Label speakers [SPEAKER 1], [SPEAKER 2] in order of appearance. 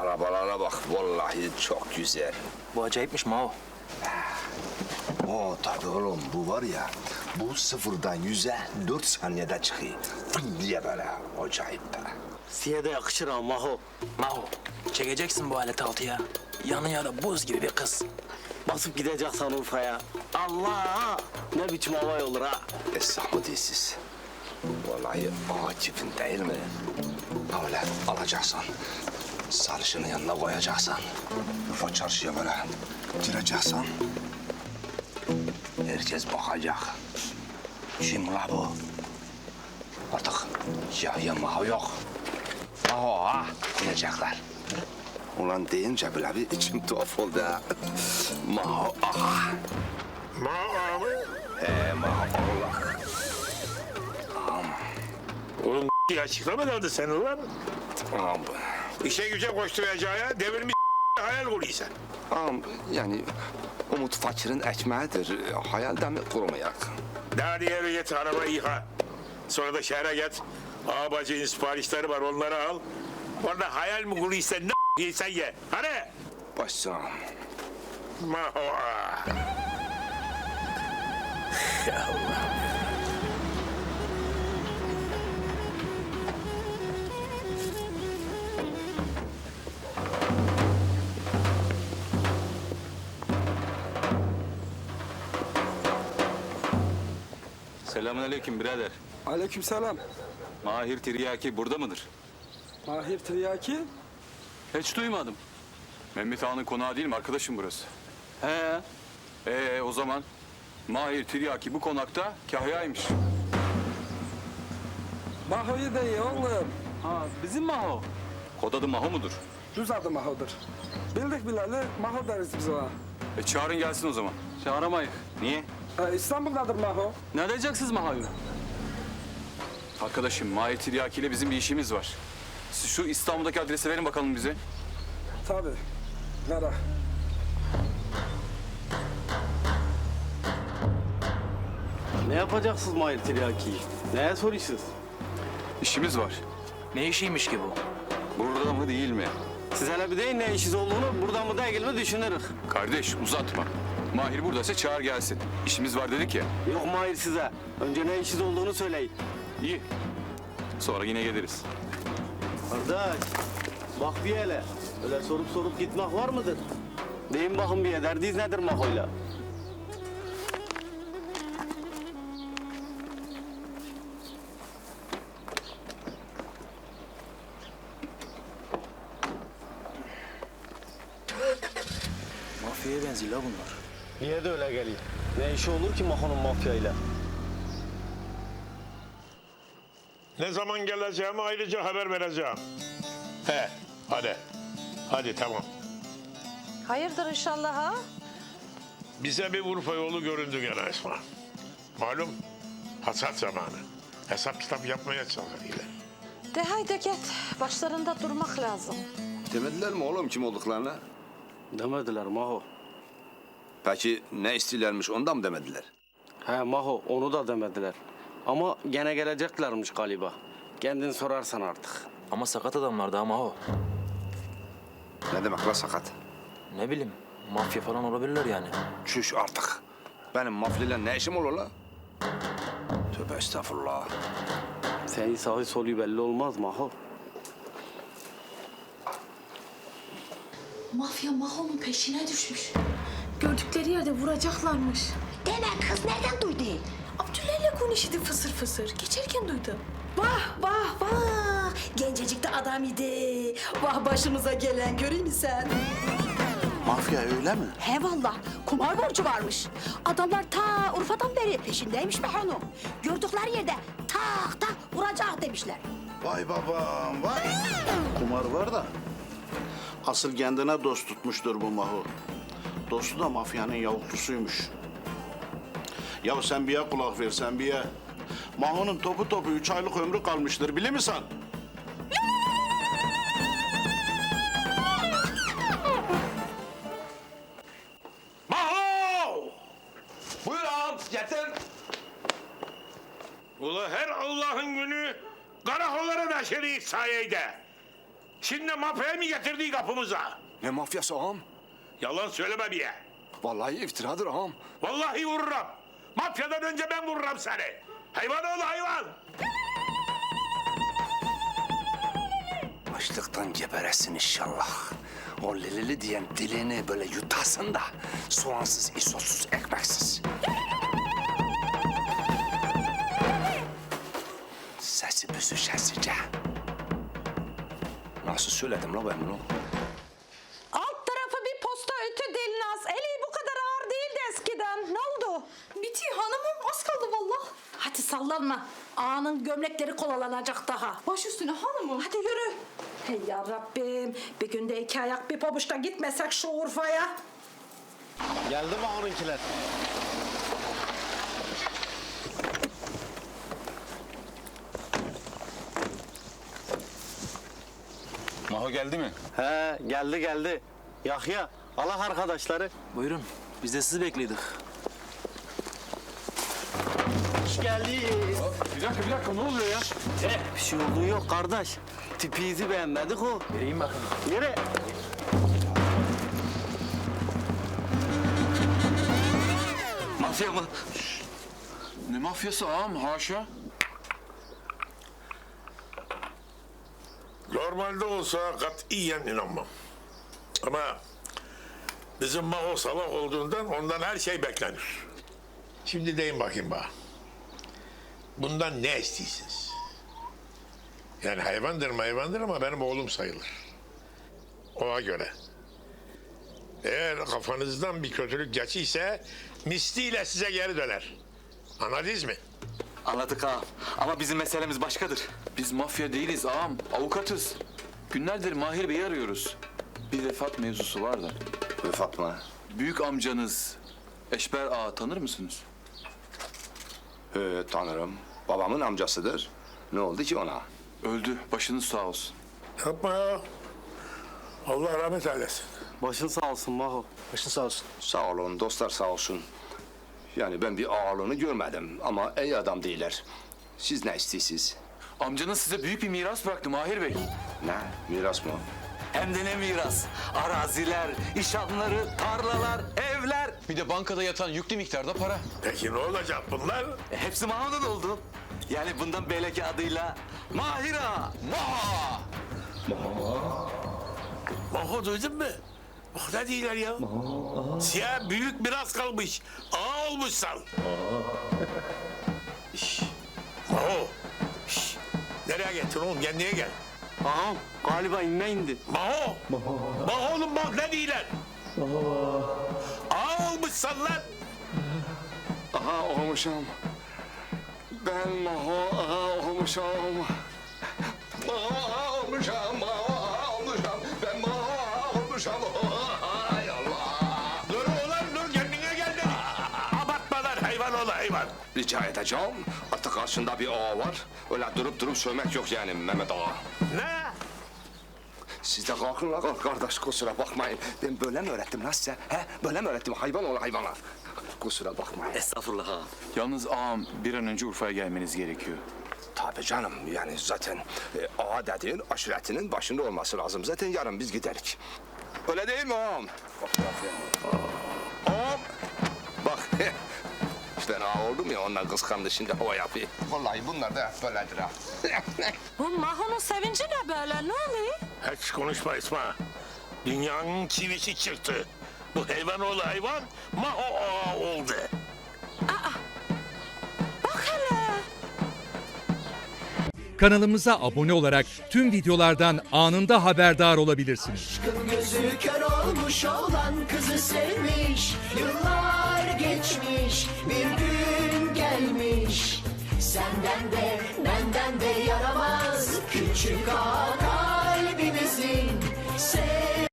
[SPEAKER 1] arabalara bak, vallahi çok güzel.
[SPEAKER 2] Bu acayipmiş Mao.
[SPEAKER 1] O tabii oğlum, bu var ya, bu sıfırdan 100'e 4 saniyede çıkıyor. Fın diye böyle, acayip be.
[SPEAKER 3] Size de yakışır ha Maho.
[SPEAKER 2] Mao, çekeceksin bu aleti altıya. Yanı da buz gibi bir kız.
[SPEAKER 3] Basıp gideceksen Urfa'ya. Allah! Ne biçim havay olur ha?
[SPEAKER 1] Esnaf mı değilsiz? Vallahi Akif'in değil mi? Öyle alacaksın. Sarışını yanına koyacaksın. Urfa çarşıya böyle gireceksin. Herkes bakacak. Kim la bu? Artık ya Maho yok. Maho ha diyecekler. Ulan deyince bile bir içim tuhaf oldu ha. Maho aha.
[SPEAKER 4] Maho mı?
[SPEAKER 1] Maho Allah.
[SPEAKER 4] Oğlum açıklamadı seni lan.
[SPEAKER 1] Ağam,
[SPEAKER 4] İşe güce koşturacağı devirmiş hayal kuruyorsun.
[SPEAKER 1] ağam yani umut fakirin ekmeğidir. Hayalde mi kurumayak?
[SPEAKER 4] Daha diğeri git arabayı yıka. Sonra da şehre git. Ağabacının siparişleri var onları al. Orada hayal mi kuruyorsan ne yiysen ye. Hadi.
[SPEAKER 1] Başsam.
[SPEAKER 4] Maho.
[SPEAKER 2] Ya Allah.
[SPEAKER 5] Selamünaleyküm birader.
[SPEAKER 6] Aleykümselam.
[SPEAKER 5] Mahir Tiryaki burada mıdır?
[SPEAKER 6] Mahir Tiryaki.
[SPEAKER 5] Hiç duymadım. Mehmet Ağa'nın konağı değil mi? Arkadaşım burası.
[SPEAKER 3] He.
[SPEAKER 5] O zaman Mahir Tiryaki bu konakta kahyaymış.
[SPEAKER 6] Maho'yu da iyi oğlum.
[SPEAKER 3] Ha, bizim Maho.
[SPEAKER 5] Kod adı Maho mudur?
[SPEAKER 6] Düz adı Maho'dur. Bildik bileli Maho deriz biz ona.
[SPEAKER 5] Çağırın gelsin o zaman.
[SPEAKER 3] Çağıramayız.
[SPEAKER 5] Niye?
[SPEAKER 6] İstanbul'dadır Maho.
[SPEAKER 3] Ne edeceksiniz Maho'yu?
[SPEAKER 5] Arkadaşım Mahir Tiryaki ile bizim bir işimiz var. Siz şu İstanbul'daki adresi verin bakalım bize.
[SPEAKER 6] Tabii. Nara.
[SPEAKER 3] Ne yapacaksınız Mahir Tiryaki'yi? Neye soruyorsunuz?
[SPEAKER 5] İşimiz var.
[SPEAKER 2] Ne işiymiş ki bu?
[SPEAKER 5] Burada mı değil mi?
[SPEAKER 3] Siz hele bir deyin ne işiniz olduğunu, buradan mı değil mi düşünürük.
[SPEAKER 5] Kardeş uzatma. Mahir buradaysa çağır gelsin. İşimiz var dedik ya.
[SPEAKER 3] Yok Mahir size. Önce ne işiniz olduğunu söyleyin.
[SPEAKER 5] İyi. Sonra yine geliriz.
[SPEAKER 3] Kardeş, bak bir hele. Öyle sorup gitmek var mıdır? Deyin bakın bir derdiniz nedir Maho'yla?
[SPEAKER 2] Mafyaya benziyor la bunlar.
[SPEAKER 3] Niye de öyle geliyor? Ne işi olur ki Maho'nun mafyayla?
[SPEAKER 4] Ne zaman geleceğimi ayrıca haber vereceğim. Hadi. Hadi tamam.
[SPEAKER 7] Hayırdır inşallah ha?
[SPEAKER 4] Bize bir Urfa yolu göründü gene Esma. Malum hasat zamanı. Hesap kitap yapmaya çalışıyorlar.
[SPEAKER 7] De haydi git. Başlarında durmak lazım.
[SPEAKER 1] Demediler mi oğlum kim olduklarını?
[SPEAKER 3] Demediler Maho.
[SPEAKER 1] Peki ne istiyorlarmış ondan mı demediler?
[SPEAKER 3] He Maho onu da demediler. Ama gene geleceklermiş galiba. Kendin sorarsan artık.
[SPEAKER 2] Ama sakat adamlar da Mao.
[SPEAKER 1] Ne demek la sakat?
[SPEAKER 2] Ne bileyim, mafya falan olabilirler yani.
[SPEAKER 1] Çüş artık. Benim mafyayla ne işim olur la? Tövbe estağfurullah.
[SPEAKER 3] Senin sağı solu belli olmaz Maho.
[SPEAKER 8] Mafya Maho'nun peşine düşmüş.
[SPEAKER 7] Gördükleri yerde vuracaklarmış.
[SPEAKER 8] Deme kız nereden duydu?
[SPEAKER 7] Abdüller'le konuştu fısır fısır. Geçerken duydum.
[SPEAKER 8] Vah vah vah. Gencecik de adam idi. Vah başımıza gelen göreyim mi sen?
[SPEAKER 9] Mafya öyle mi?
[SPEAKER 8] He vallah kumar borcu varmış. Adamlar ta Urfa'dan beri peşindeymiş be hanım. Gördükleri yerde tak tak vuracak demişler.
[SPEAKER 9] Vay babam vay. Kumar var da asıl kendine dost tutmuştur bu Mahu. Dostu da mafyanın yavuklusuymuş. Ya sen bir ya kulak ver sen bir ya. Mahu'nun topu 3 aylık ömrü kalmıştır bilir misin?
[SPEAKER 4] Maho!
[SPEAKER 1] Buyur ağam getir.
[SPEAKER 4] Ula her Allah'ın günü karakollara da şerif sayede. Şimdi mafyayı mı getirdi kapımıza?
[SPEAKER 1] Ne mafyası ağam?
[SPEAKER 4] Yalan söyleme bir.
[SPEAKER 1] Vallahi iftiradır ağam.
[SPEAKER 4] Vallahi vururum. Mafyadan önce ben vururum seni. Hayvan oğlu hayvan.
[SPEAKER 1] Açlıktan geberesin inşallah. O lilili diyen dilini böyle yutasın da soğansız, isotsuz, ekmeksiz. Sesi büzüşesice. Nasıl söyledim la ben bunu?
[SPEAKER 8] Alt tarafı bir posta ötü Dilnaz. Eli bu kadar ağır değildi eskiden. Ne oldu?
[SPEAKER 7] Bitiyor hanımım az kaldı vallahi.
[SPEAKER 8] Hadi sallanma. Ağanın gömlekleri kolalanacak daha.
[SPEAKER 7] Baş üstüne hanımım.
[SPEAKER 8] Hadi yürü. Hey ya Rabbim. Bir günde iki ayak bir pabuçta gitmesek şu Urfa'ya.
[SPEAKER 3] Geldi mi onunkiler?
[SPEAKER 5] Maho geldi mi?
[SPEAKER 3] He geldi. Yahya Allah arkadaşları.
[SPEAKER 2] Buyurun. Biz de sizi bekliyorduk.
[SPEAKER 3] Hoş geldin.
[SPEAKER 5] Bir dakika ne oluyor ya?
[SPEAKER 3] Bir şey olduğu yok kardeş. Tipinizi beğenmedik o.
[SPEAKER 2] Vereyim bakın.
[SPEAKER 3] Yürü.
[SPEAKER 1] Mafya mı?
[SPEAKER 5] Ne mafyası ağam haşa.
[SPEAKER 4] Normalde olsa katiyen inanmam. Ama bizim Maho salak olduğundan ondan her şey beklenir. Şimdi deyin bakayım bana. Bundan ne istiyorsunuz? Yani hayvandır ama benim oğlum sayılır. Ona göre. Eğer kafanızdan bir kötülük geçiyse misliyle size geri döner. Anladınız mı?
[SPEAKER 5] Anladık ağam. Ama bizim meselemiz başkadır. Biz mafya değiliz ağam. Avukatız. Günlerdir Mahir Bey'i arıyoruz. Bir vefat mevzusu var da.
[SPEAKER 1] Vefat mı?
[SPEAKER 5] Büyük amcanız Eşber Ağa tanır mısınız?
[SPEAKER 1] Tanırım. Babamın amcasıdır. Ne oldu ki ona?
[SPEAKER 5] Öldü. Başınız sağ olsun.
[SPEAKER 4] Yapma ya. Allah rahmet eylesin.
[SPEAKER 3] Başın sağ olsun Maho. Başın sağ olsun.
[SPEAKER 1] Sağ olun, dostlar sağ olsun. Yani ben bir ağalığını görmedim ama iyi adam değiller. Siz ne istiyorsunuz?
[SPEAKER 5] Amcanız size büyük bir miras bıraktı Mahir Bey.
[SPEAKER 1] Ne? Miras mı?
[SPEAKER 5] Hem de ne miras? Araziler, işhanları, tarlalar, evler. Bir de bankada yatan yüklü miktarda para.
[SPEAKER 4] Peki ne olacak bunlar?
[SPEAKER 5] Hepsi Maho'dan oldu. Yani bundan belki adıyla Mahir Ağa. Maho.
[SPEAKER 4] Maho duydun mu? Bak ne diyorlar ya? Siyah büyük miras kalmış. Ağa olmuşsun. Şş, Maho. Şş, nereye gittin oğlum? Kendine gel.
[SPEAKER 3] Ağam galiba inme indi.
[SPEAKER 4] Maho. Maho oğlum bak ne diyorlar? Ağa olmuşsun lan.
[SPEAKER 1] Aha olmuşum. Ben Maho aha olmuşum. Maho aha olmuşum. Maho aha olmuşum. Ben Maho aha olmuşum. Hay Allah.
[SPEAKER 4] Dur ulan dur kendine gel dedik. Abartmalar hayvan oğlu hayvan.
[SPEAKER 1] Rica edeceğim. Artık karşında bir ağa var. Öyle durup sövmek yok yani Mehmet Ağa.
[SPEAKER 4] Ne?
[SPEAKER 1] Siz de kalkın la kardeş kusura bakmayın. Ben böyle mi öğrettim lan size? He? Böyle mi öğrettim hayvan oğlu hayvana? Kusura bakmayın.
[SPEAKER 5] Estağfurullah ağam. Yalnız ağam bir an önce Urfa'ya gelmeniz gerekiyor.
[SPEAKER 1] Tabii canım yani zaten ağa dediğin aşiretinin başında olması lazım. Zaten yarın biz giderik. Öyle değil mi ağam? Ağam. Bak işte ben ağa oldum ya ondan kıskandı şimdi hava yapıyor. Vallahi bunlar da hep böyledir ha.
[SPEAKER 8] Bu Maho'nun sevinci ne böyle? Ne oluyor?
[SPEAKER 4] Hiç konuşma İsmail. Dünyanın çivisi çıktı. Bu hayvan oğlu hayvan Maho ağa oldu.
[SPEAKER 8] Bak hele.
[SPEAKER 10] Kanalımıza abone olarak tüm videolardan anında haberdar olabilirsiniz.
[SPEAKER 11] Gözü kör olmuş olan kızı sevmiş. Yıllar geçmiş bir gün gelmiş. Senden de benden de yaramaz küçük ağa kalbimizin.